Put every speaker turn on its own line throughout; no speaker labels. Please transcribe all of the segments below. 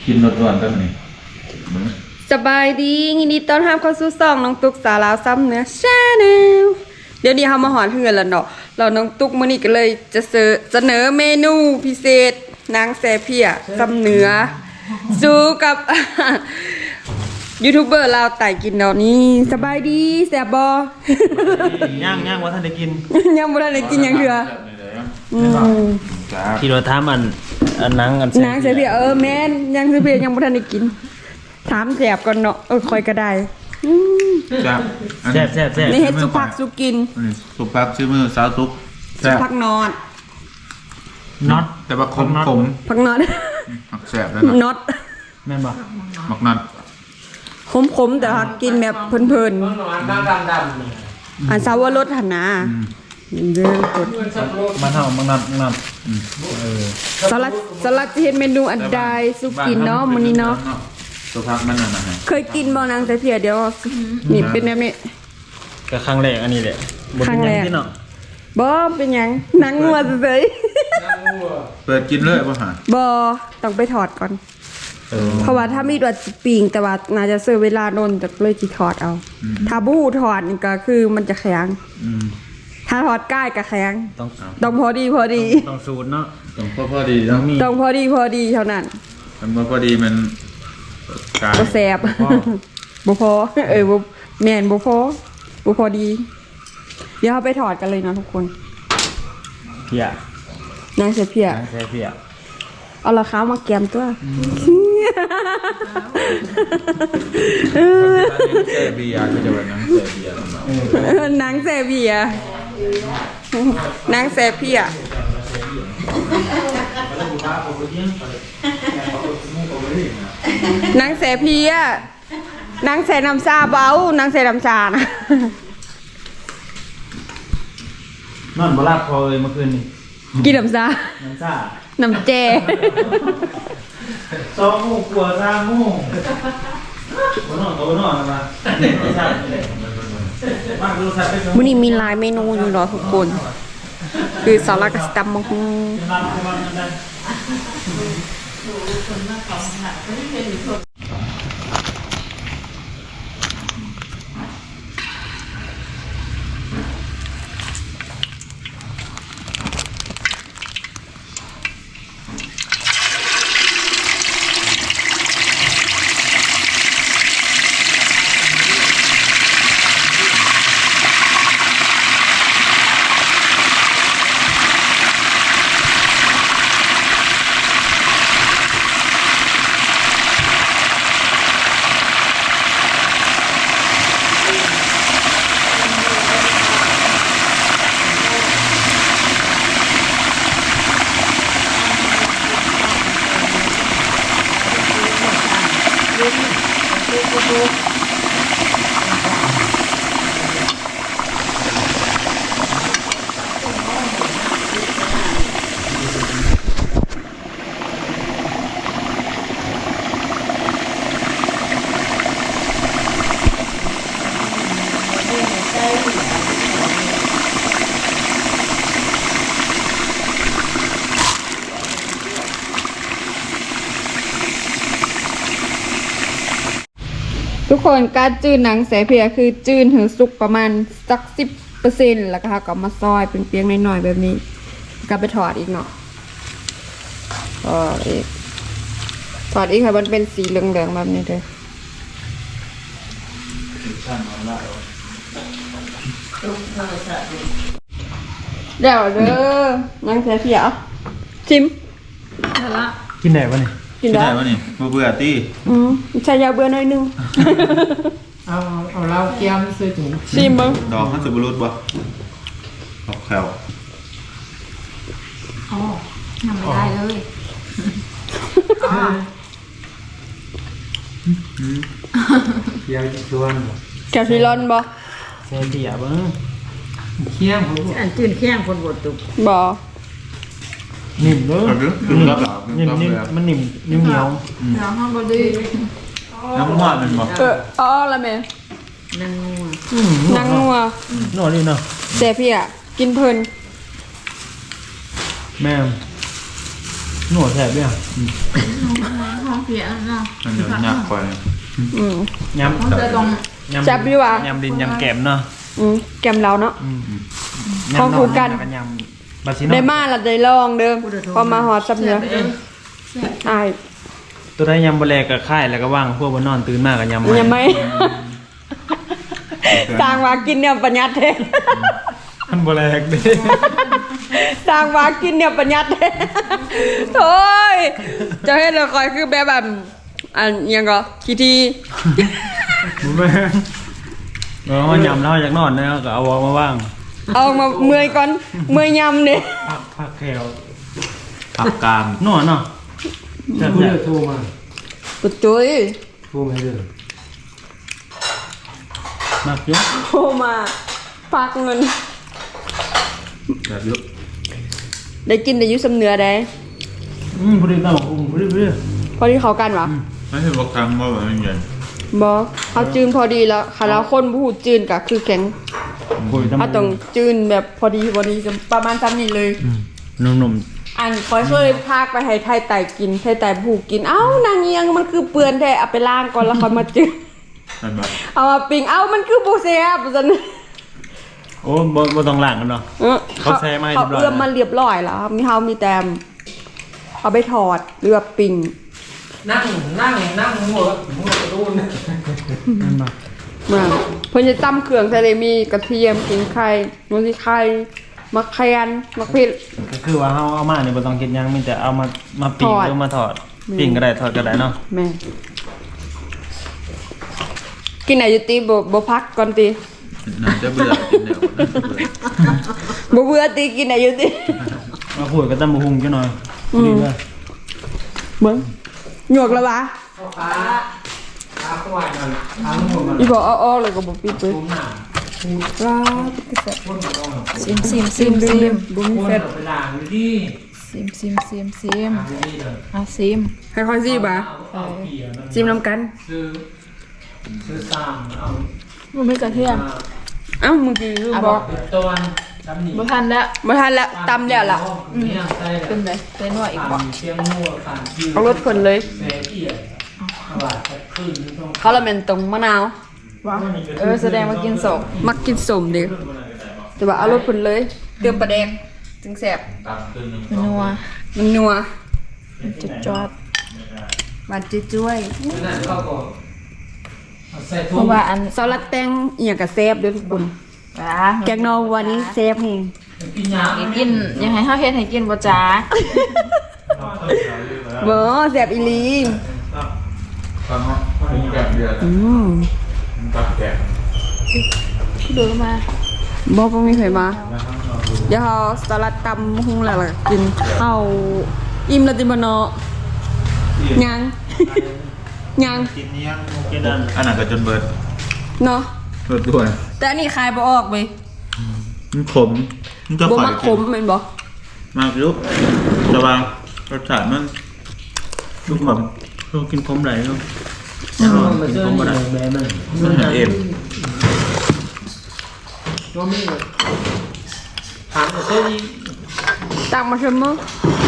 กินรสร้อนตั้งนี่
สบายดียินดีต้อนรับเข้าสู่ช่องน้องตุ๊กสาวลาวซ้ำเนื้อชาแนลเดี๋ยวนี้เฮามาหอนเฮือนแล้วเนาะเราน้องตุ๊กมื้อนี้ก็เลยจะเสนอเมนูพิเศษนางแซ่เพียซ้ำเนื้อสู้กับ ยูทูบเบอร์ลาวไต่กินเนาะนี่สบายดีแซ่บบ่
ย่างว่าท่านได้กิน
ยังบ่ทันได้กินหยังเถื่อ
ที่เราทำอันนังอัน
นางแซ่เพียแม่นยังแซ่เพียยังบ่ทันได้กินถามแซ่บก่อนเนาะคอยก็ได้
แซ่บ
แซ่บ
นี่เฮ็ดสุผักสุกิน
สุผักชื่อมือสาวตุ๊ก
สุผักนอด
น็อต
แต่ว่าขม
ผักนอด
ผักแซ่บแล้ว
น็อต
แม่นบ่
มักนัด
ขมแต่ว่ากินแบบเพลินๆอันซาวรสหั่นนะเด้อกด
มันเฮามันนัด
สลัดจะเฮ็ดเมนูอันใดสุกินเนาะมื้อนี้เนาะ
สุผักมันน่ะ
เคยกินบ่นางแต่เพียเดี๋ยวนี่เป็นแบบนี้
ก็ครั้งแรกอันนี้แหละบ่เป็นหยังที่เนาะ
บ่เป็นหยังหนังงัวเฉย
เปิดกินเลยบ่หา
บ่ต้องไปถอดก่อนเพราะว่าถ้ามีดว่าปิงแต่ว่าน่าจะเสียเวลาโดนจะเลยสิถอดเอาถ้าบู้ถอดนี่ก็คือมันจะแข็งถ้าถอดใกล้ก็แข็งต้องพอดี
ต้องสูตรเนาะ
ต้องพอดีต้องมี
ต้องพอดีเท่านั้น
มันพอดีมันกาย
บ่แซ่บบ่พอบ่แม่นบ่พอดีเดี๋ยวเราไปถอดกันเลยนะทุกคน
เพีย
นางเสียเพียเอาราคามาแกมตัว
แซ่เบียร์ก็จะเป็นนางแซ่เบียร์
นางแซ่เบียร์นางแซ่เพียนางแซ่เพียนางแซ่น้ำชาเบานางแซ่น้ำชานะ
นอนบ่หลับพอเลยเมื่อคืนนี้
กินน้ำชาน้ำแจ
2 โมงกว่า3 โมงบ่นอนนะ
มื้อนี้มีหลายเมนูอยู่เนาะทุกคนคือสลัดกับตำบักหุ่งทุกคนการจืดหนังแสเพียคือจืดถึงสุกประมาณสัก10%แล้วก็ก็มาซอยเป็นเปียงหน่อยๆแบบนี้ก็ไปถอดอีกเนาะถอดอีกค่ะมันเป็นสีเหลืองๆแบบนี้เลยเดี๋ยวเด้อหนังแสเพียชิม
กินได้ป่ะนี่
กินได้
ป่ะนี่เบื่อตี้
ใช้ยาเบื่อหน่อยนึง
เอาเราเกี๊ยวซื้อถุง
ชิมบ้าง
ดอกมันจะบรุษบ่ดอกแขว
อ๋อทำไม่ได้เลย
เกี๊ยวจะชวน
แกซิลอนบ่
เสียเดียบ้าง
เคี่ยงคนอันจืดเคี่ยงคนบดตุก
บ่
นิ่มเลยนิ่มมันนิ่มเหนียว
น้ำห้องบดี
น้ำมันมันบ่
ละแม่
นางงัว
หน่อยนี่เนาะ
แซ่พี่กินเพลิน
แม่หนวดแสบเนี่ย
ห้องเพียนเนาะ
มันเดี๋ยวหนักไป
อืม
ยำ
มันจะตรง
แซ่บอยู่ว่ะ
ยำดินยำแกมเนาะ
แกมเราเนาะ
ยำ
ของคู่กัน
แล้วยำบาซิโน
ได้มาแล้วได้ลองเด้อพอมาหอดซับเนื้ออาย
ตัวได้ยำบะแลกับค่ายแล้วก็ว่างพวกบนนอนตื่นมากกับยำ
ยังไม่ สร้างว่ากินเนี่ยปัญญาเท
มันบะแลกดิ
สร้างว่ากินเนี่ยปัญญาเทโถ่ยจะให้เราคอยคือแบบอันยังก็คีที
บุ้มมันยำแล้วอยากนอนเนี่ยก็เอาวอมาว่าง
เอามาเมื่อยก่อนเมื่อยยำเนี่ย
ผักแขว
ผักกาม
นอนเนาะ
ผู้เลือกโทรมา
ปุดจุ้ย
โทรมาเลย
มากเยอะ
โทรมาฝากเงิน
แบบยุบ
ได้กินได้อยุสำเนื้อได้
พอดีต้องพอดี
พอที่เขากันวะ
ไม่ใช่บอกคำว่าแบบมันเย็น
บอกเขาจืนพอดีแล้วค่ะแล้วคนผู้จืนก็คือแข็ง
คุยทำ
เขาต้องจืนแบบพอดีประมาณซ้ำนี่เลย
หนุ่ม
อันคอยเคยพากไปให้ไทยไต่กินไทยไต่ผูกกินเอ้านางเอียงมันคือเปื้อนแท้เอาไปล้างก่อนแล้วค่อยมาจืน
มันแบบ
เอามาปิ้งเอ้ามันคือโบเซียบจัน
ๆโอ้บ่ต้องล้างกันเนาะ เขาแซ่มาให้เรี
เขา
ยบร้อย
เอื้อมมาเรียบร้อยแล้วมีแต่เอาไปถอดหรือว่าปิ้ง
นั่งหัวกระโดน
นั่นปะ
เมื่อเพิ่นจะตำเครื่องทะเลมีกระเทียมขิงไข่นูนที่ไข่มะเขือมะพริก
ก็คือว่าเอามาเนี่ยบ่ต้องคิดหยังมีแต่เอามาปิ้ง
ทอด
หรือมาทอดปิ้งก็ได้ทอดก็ได้เนาะ
แม่กินไหนอยู่ตีบ่พักก่อนตี
น่าจะเบื่อกินเดี๋ยว
บ่เบื่อตีกินไหนอยู่ตี
มาพูดกับตำบักหุ่งจังหน่อยดีเลย
เบิ่งหยวกแล้ววะ
ขาควายมันขาหัวมัน
อีบอกอ้อๆเลยก็บ่ปิดเว้ย
ผมหนา
ว้า
ซิมซิมซิมซิม
บ่มี
คน
เฟ
เอา
ซ
ไปล้างอยู่ดี
ซิมซิมซิมซิม
ล้างอยู่ดีเลย
อ่ะซิม
ให้ค่อยสิบ่ะ
เอาเกี่ยมัน
จิ้มน้ำกัน
ซื้อซ้ำเอา
มันไม่กระเทียม
เอ้ามึงสิคือบอก
เป็นตัวดำหนี
บ่ทันแล้ว
บ่ทันละตำแล้วล่ะ
เนี่ยใส่
เป็นไรเป็นว่าอีกบ่
เชียงมัวผ่านชื่อ
เอารสคนเลย
เสียเอียดเอาบาดจะขึ้นตรง
เขาละแม่นตรงมะนาว
ว่าแสดงว่ากินสอง
มักกินสมดิแต่ว่าเอารสคนเลยเติมปลาแดงจึงแซ่บ
นัว
มันนัว
จุดจอด
หวานจ้วย
นั้นเขาก็เอาใส่
เพ
ถุง
ราะว่าอัน
ๆซอสลัดแตงอีหยังก็แซ่บเด้อทุกคน
ว้า
แกงนอวันนี้แซ่บแฮง
กินยา
กินยังไงเฮาเฮ็ดให้กินบ่จ้า
บ่แซ่บอีหลี
ฟังเนาะเป็นแบบเดียว ตับแกะ
ดูมา
บ่มีไผมาเดี๋ยวเฮาสลัดตำหุงแล้วล่ะกินข้าวอิ่มแล้วติบ่เนาะยังยัง
กินเนี้ย
เกดัน
อันนั้นก็จนเบิด
เนาะ
เบิดด้วย
แต่อันนี้คายบ่ออกเว้ย
มันขมมันจะ
บ่
ข่อย
มักขมแม่นบ่
มากยุบแต่ว่ารสชาติมันลูกหม่อม
เรากินคมไหลเนาะ
มันเจอนี่แม่มัน
มันหาเอ็ม
ก็มีถามเจอนี่
ตักมาเชิมมื้อ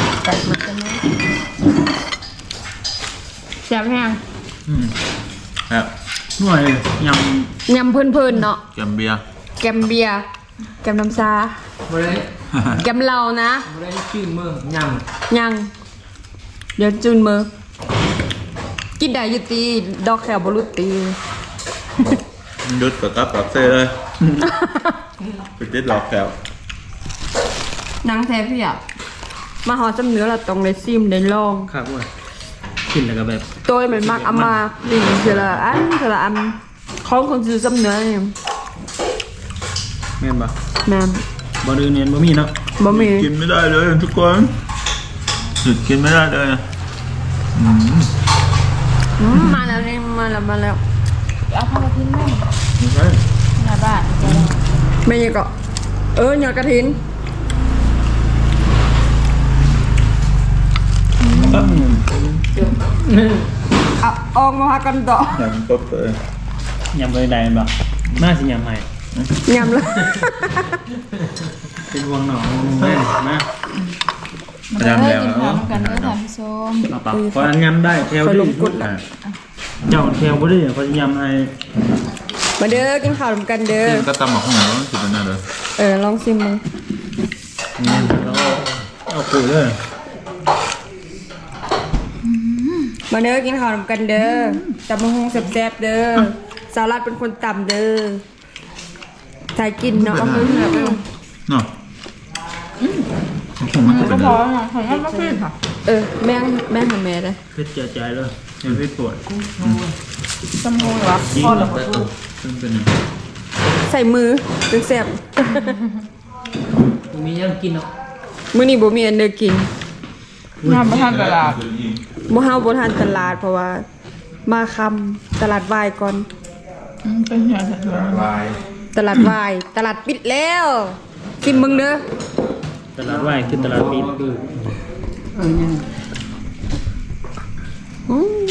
แซ่บแฮง
ครับ
หน่วยย
ยำเพิ่นๆเนาะ
แกมเบียร์
แกมเบียร์แกมน้ำซา
บ่ได้
แกมเหล้านะ
บ่ได้ชื่อมือยำ
ยังเดี๋ยวจุนมือกินได้อยู่ตีดอกแขวบรุษตี
มันยุดกับกับกับเซ่เลยไปติดหลอกแก้ว
นางแท้พี่อ่ะมาหอจำเนื้อเราต้องได้ซิมได้ลอง
ำครับเว้ยกินแล้วก็แบบ
โดยมันมักเอามาดิ่งเสละอันเสละอันของคนซื้อจำเนื้อนี่
แม่นปะ
แม่
บ่ดื้อเนียนบ่มีเนาะ
บ่มี
กินไม่ได้เลยทุกคนหยุดกินไม่ได้เลยอืม
มาแล้วนี่มาแล้ว
เอาเข้ามาทิ้งแม่
ไม่ใช่
หน้าบ้าน
ไม่ยังก็หยอดกระถินเอาออกมาหากันต่อ
อย่างต๊บเลย
ยำไปได้บ่น่าสิยำให้
ยำเลย
เป็นวงหนองแม่นนะ
มาเด้อกินข้าวกันเด้อท่านผู้ชม
เอาปากพออันยำได้แถว
คอย
ดี
ลงกดละ
เจ้าแถวบ่ได้พอยำให้
มาเด้อกินข้าวกันเด้อ
กินก็ตำหมักข้าวเหนียวสิเป็นอะไรเลย
ลองชิมมึง
นี่แล้วก็เอาปุ๋ยเลย
มาเด้อกินข้าวกันเด้อตำมะฮงแซ่บๆเด้อสาลัดเป็นคนตำเด้อใส่กินเนาะเอาไปเหนือไป
เนาะผมมันก็เป็น
พอแล้วของมันบ่ขึ้นค่ะ
แม่ทำแม่ได้
เพชรใจเลยยังไม่ปวด
สมมุติว่า
ยิ่ง
พอ
แบ
แล้ว
บ
ซึ่งเป็นยัง
ใส่มือถึงแซ่บ
มียังกินเนาะ
มื้อนี้บ่มีอันเด้อกิน
งานประทานตลาด
บ่เฮาบ่ทานตลาดเพราะว่ามาคำตลาดวายก่อน
เป็นอย่างไร
ลาย
ตลาดวายตลาดปิดแล้วกินมึงเด้อ
ตลาดไหวคือตลาดปิด
ยัง
อืม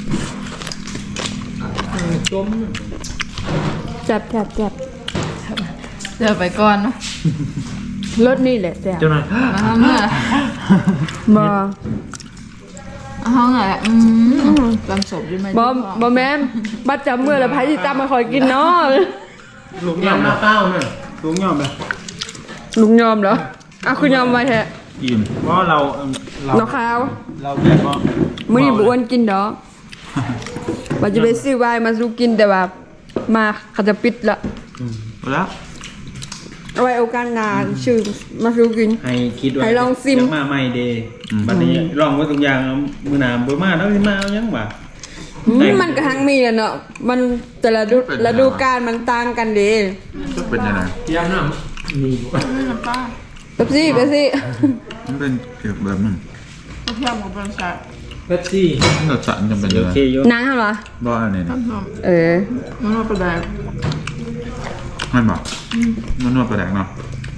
จม
แซ่บ
เดี๋ยวไปก่อนเนาะ
รสนี่แหละแซ่บ
เจ้าหน่อย
มาเมื่อ
บ่
เอาห้องอ่ะลำศพด้วยไหม
บ่แม่นบัดจำมื้อแล้วไผสิตามมาคอยกินเนาะ
ลุง
ยั
ย่อง ม
หน้าเป้าน่ะ
ลุงย่อมเลย
ลุงยอมเหรอคุณยอมไว้แท้
อิ่ม
เพราะเรา
เนาะขาว
เราแบบว่า
มื้อนี้บ่อ้วนกินดอกว่าจะไปซื้อไวน์มาสู่กินแต่ว่ามาเขาจะปิดละ
แล้ว
เอาไว้โอกาสหน้าชื่อมาสู่กิน
ให้คิดว่า
ให้ลองซิม
ยังมาใหม่เดย์บัดนี้ลองไว้ทุกอย่างมือหนามบ่มาแล้วสิมาเอายังบ่
มันก็ทั้งมีแหละเนาะมันแต่ละฤดูกาลมันต่างกันเด้
จะเป็นยังไง
ยังน้ำนี่
น้ำปลา
เป๊ปซี่
มันเป็นเกี่ยวกับแบบนึง
เพื่อนของบริษัท
เป๊ปซี่
รสชาติจะเป็นยั
โอง
ไง
เคอยู่
นางเหรอ
บ่อันนี้นะ
มันว่าประแดก
ไม่บอกมันนวดประแดกเนาะ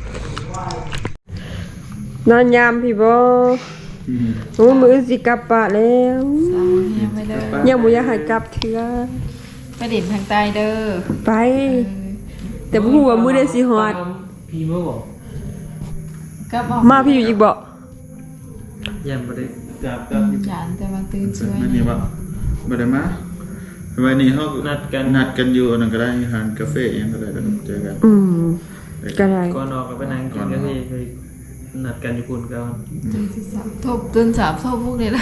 นอนยามพี่บ่โอ้มื้อสิกลับปะแล้ว
ยังไม่เด้อ
ยังบ่อยากให้กลับเทื่อ
ไปดิ่นทางใต้เด้อ
ไป แต่บ่ฮู้ว่ามื้อใดสิฮอด
พี่เมื่อบอก
ก็บอก
มาพี่อยู่อีกบ่
ยังบ่ได้กลับ
จานแต่ว่าตื่นช่วย
ไม่นี่บ่บ่ได้มาวันนี้เขา
นัดกัน
นัดกันอยู่นั่นก็ได้ทานกาแฟยังก็ได้ก็เจอกัน
ก็ได้
ก่อนออกก็ไปนั่งกินกันที่ไปนัดกันอยู่คุณก่อน
ตื่นสามทบพวกนี้ละ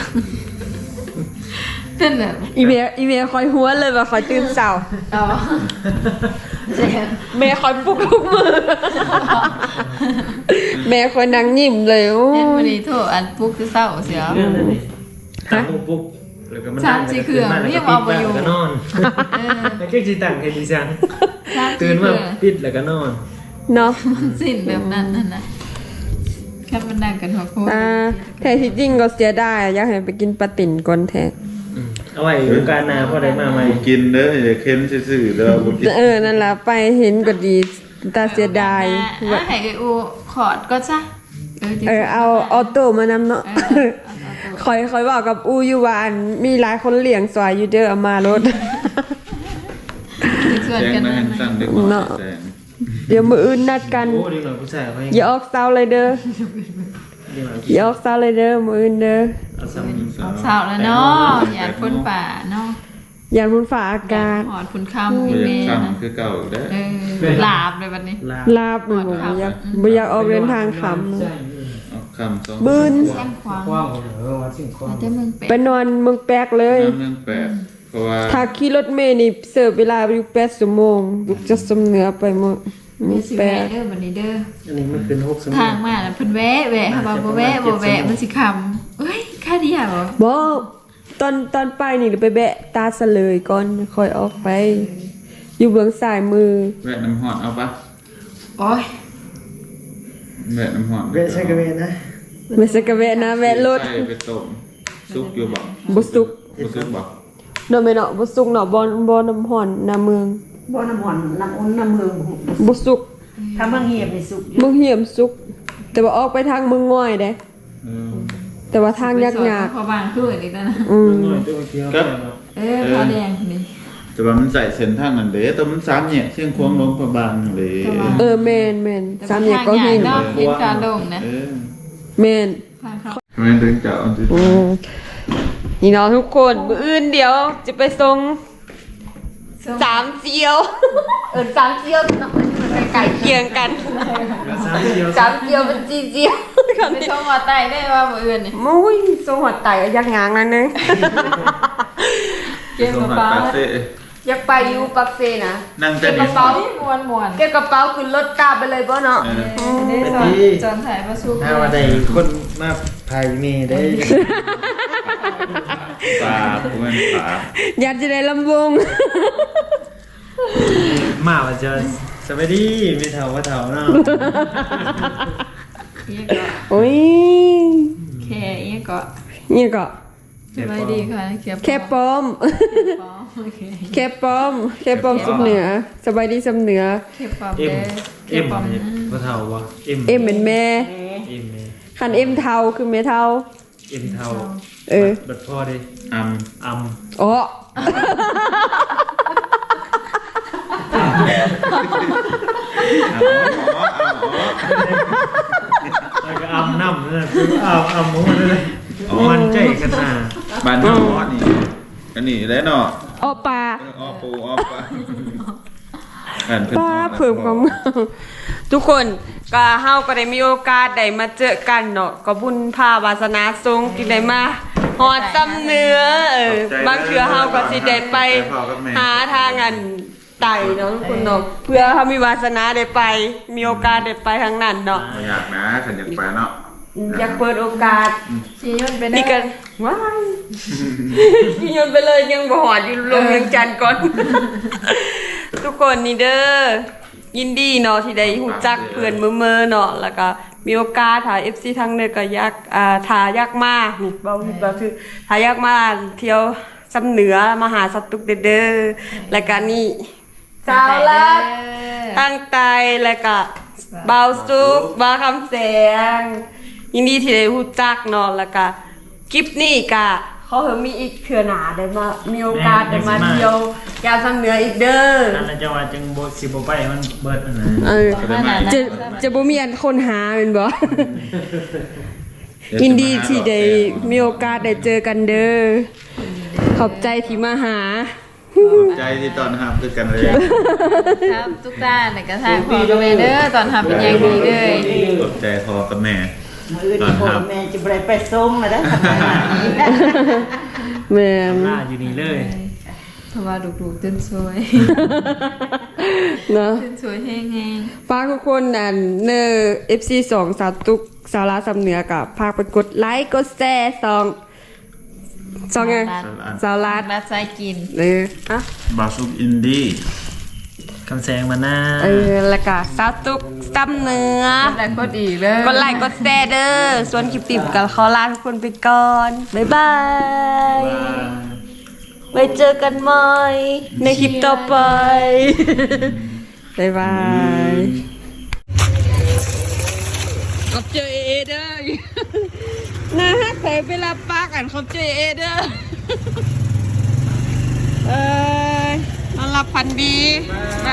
นั่นแหละ
อีเมลคอยหัวเลยว่าคอยตื่นเช้า
อ๋อเจ๊
แม่คอยปลุกทุกมื้อแม่คอยนั่งยิ้มเลยโอ้
เอ็นวัน
ย
นี้โทษอันปุ๊กคือเศร้าเสีย
เรื่องนั้นนี่ตั้งปุ๊บแล้วก็มัน
สามสี่เครื่องยังเอาไปอยู่
แล้วก็นอนแล้วก็สิตั้งให้ดิฉัน
ตื่
ตื่
น
น
มา
มาปิดแล้วก็นอน
เนาะ
สิ้นแบบนั้นนั่นนะแค่มันนั่งกันหัวโค้ง
แท้ที่จริงก็เสียดายอยากให้ไปกินปลาติ๋นก่อนแท้
เอาไว้โอกาสหน้าพอได้มาใหม่
กินเด้ออย่าเค็มซื่อๆเด้อบ่กิน
นั่นล่ะไปเห็นก็ดีตาเสียดาย
ว่าให้ไออูขอดก็จ้ะ
เอาออโต้มานำเนาะคอยบอกกับอูอยู่ว่าอันมีหลายคนเลี้ยงสวยอยู่เด้อเอามารถ
ส่วน
แจ้ง
กัน
มา
นั่
ให้
น
สั่
นะ
งดีกว่า
เนาะ
แจ้ง
เดี๋ยวมื้ออื่นนัดกัน
โอ้ดีหน่อยผู้ชายเขา
อย่าออกเซาเลยเด้อ
ดีหน่อย
อย่าออกเซาเลยเด้อมื้ออื่นเด้อ
เอาซ้ำ
สาวแล้วเนาะอย่าคนป่าเนาะ
ยานพุ่นฟ้าอากาศ
หอดคุณคำ
บ่
อี
อ
เม
ยาก
นะ
สั่งคือเก่าเด้อ
หลาบเลยวันนี้
ลา
ลาบบ่อยากออกเดินทางขำ
เอาคำสอง
บืน
แซมควาง
กว้างว่าสิ่งกว้าง
แต่มึงเป็
ไปนอนเมืองแปลกเลย
น้ำเรื่องแปดเพราะว่า
ถ้าขี่รถเมล์นี่เสิร์ฟเวลาอยู่8ชั่วโมงลูกจะสมเหนือไปหมด
มี
มี
สิ
แป
แวะ
ด
เด้อวันนี้เด้อ
อันนี้มันเป็น6สม
ทางมาแล้วเพิ่นแวะค่ะว่าบ่แวะมันสิคำเอ้ยค่าเดียวเหรอ
บ่ตอนไปนี่ไปแบะตาเสลยก่อนค่อยออกไป อยู่เบื้องซ้ายมือ
แวะน้ำหอดเอาปะ
โอ้ย
แวะน้ำหอด
เวชกเวนะ
ไม่ใช่กะแวะนะแวะรถ
ใส่ไปต้มซุปอยู่บ่
บ่สุก
บ่ซุปบ่
เนาะแม่เนาะบ่สุกเนาะบ่น้ำห่อนน้ำเมือง
บ่น้ำหอนน้ำอุ่นน้ำเมือง
บ่สุก
ถ้าบางเหียบในสุก
เมืองเหี่ยมสุก แต่ว่าออกไปทางเมืองง่อยเด้
เออ
แต่ว่าทางยาก
พอบางคืออีกแล้วนะ
ๆอืม
หน่อยตัวเดียว
ครับ
พอแดงนี่
แต่ว่ามันใส่เส้นทางนั้นเด้แต่มันสามแยกเชียงควงลงพระบางเลย
แม่นสามแยกก็หิน
เนาะเห็นการลงนะ
เออ
แม่น
ทางเขา
ไม่ถึงจะเอาที่
นี่เนาะทุกคนมื้ออื่นเดี๋ยวจะไปส่งสามเจียวสามเจียวเนาะมันไก่เคียงกันสามเจียวเป็นจีเจียว
ไปชมว่าไตได้ว่ามื้ออื่นนี่
มุ้ยส่งหัวไตยักงางนั่นนึง
เก็บกระเป๋า
อยากไปอยู่ปักเซนะ
นั่ง
เก็
แต่
บกระ
นี่
เป๋า
ม่วน
เก็บกระเป๋าขึ้นรถกลับไปเลยบ่เนาะ
ๆได้จอนถ่ายมาสู้
ถ้าว่าได้คนมาพายเมได้
ปลาเพื่อนปลา
อยากจะได้ลำวง
มาว่าจะสวัสดีไม่เท่าว่าเท่าเนาะ
อีกก็
โอ้ย
แค่อีกก็
นี่ก็
สบายดีค่ะ
แค่ป้อม
โอเค
แค่ป้อมสุดเหนือสบายดีสำเหนือ
เก็บความ
เอ็ม
เด้
เอ็มว่าเท่าว่าเอ็ม
เอ็มเป็นแม่
เอ็ม
คันเอ็มเทาคือแม่เทา
เอ็มเท่า บัดพ่อดิ
อัม
อัม
อ๋อ
แล้วก็อัมน้ำนั่นคืออัมหมูนั่นเลยมันใจกันหน้า
บ้านน้องมอนี่อันนี้ได้เนาะ
อ๋อปลา
อ้อปูอ้อปลาอันเพิ่น
ป้าเพิ่มความทุกคนก็เฮาก็ได้มีโอกาสได้มาเจอกันเนาะก็บุญพาวาสนาทรงที่ได้มาฮอดซ้ำเนื้อบางเทื่อเฮาก็สิได้ไปหาทางอันไต่เนาะทุกคนเนาะเพื่อเฮามีวาสนาได้ไป มีโอกาสได้ไปทางนั้นเนาะ
ไม่อยากนะฉันอยากไปเนาะ
อยากเปิดโอกาส
ชี้ยนไป
นี่
ได้
กันว้ายพี่ยนไปเลยยังบ่หอดอยู่ลงยังจันทร์ก่อน ทุกคนนี่เด้อยินดีเนาะที่ได้หูจักเพื่อนเมื่อเนาะแล้วก็มีโอกาสถ่าย FC ทั้งเด้อก็อยากถ่ายอยากมานี่เบาคือถ่ายอยากมาเที่ยวสำเหนือมาหาสัตว์ตุกเด้อแล้วก็นี่สาวลัดตั้งใจแล้วก็เบาสุกบาคำแสงยินดีที่ได้หูจักเนาะแล้วก็คลิปนี้ก็เขามีอีกเทื่อหนาได้มามีโอกาสได้มาเที่ยวยามสำเหนืออีกเด้อ
นั่นแหละจะว่าจังโบสิบไปมันเบิดอันนั้น
จะบ่มีอันคนหาเป็นบ่ ยินดีที่ได้มีโอกาสได้เจอกันเด้อขอบใจที่มาหา
ใจที่ตอนห้ามคือกันเลย
ครับทุกด้านในกระทางพอกับแม่เด้อตอนทำเป็นอย่างดีเลย
ขอบใจพอกับแม่
มือที่พ่อแม่จะไปส่งนะได้ทำไม
แม่น
หน้าอยู่นี่เลย
เพราะว่าดูๆตื่นสวย
เนาะ
ตื่นสวยแห้ง
ฝากทุกคนอันเนอ FC 2สาวตุกสาวลาสำเหนือกับฝากไปกดไลค์กดแชร์2ไงสาวลา
ๆรัดใจกิน
อ่ะ
บาสุกอินดี้
คำแสงมาหน้า
แล้วก็สาวตุกสำเหนือ
แต่ก็ดีเลย
กดไลค์กดแชร์เด้อส่วนคลิปติดกับขอลาทุกคนไปก่อน บ๊ายบาย ไว้เจอกันใหม่ในคลิปต่อไป บ๊ายบายขอบเจอเอเด้อนะฮะใครไปรับปากกันขอบเจอเอเด้อ นอนหลับพันดี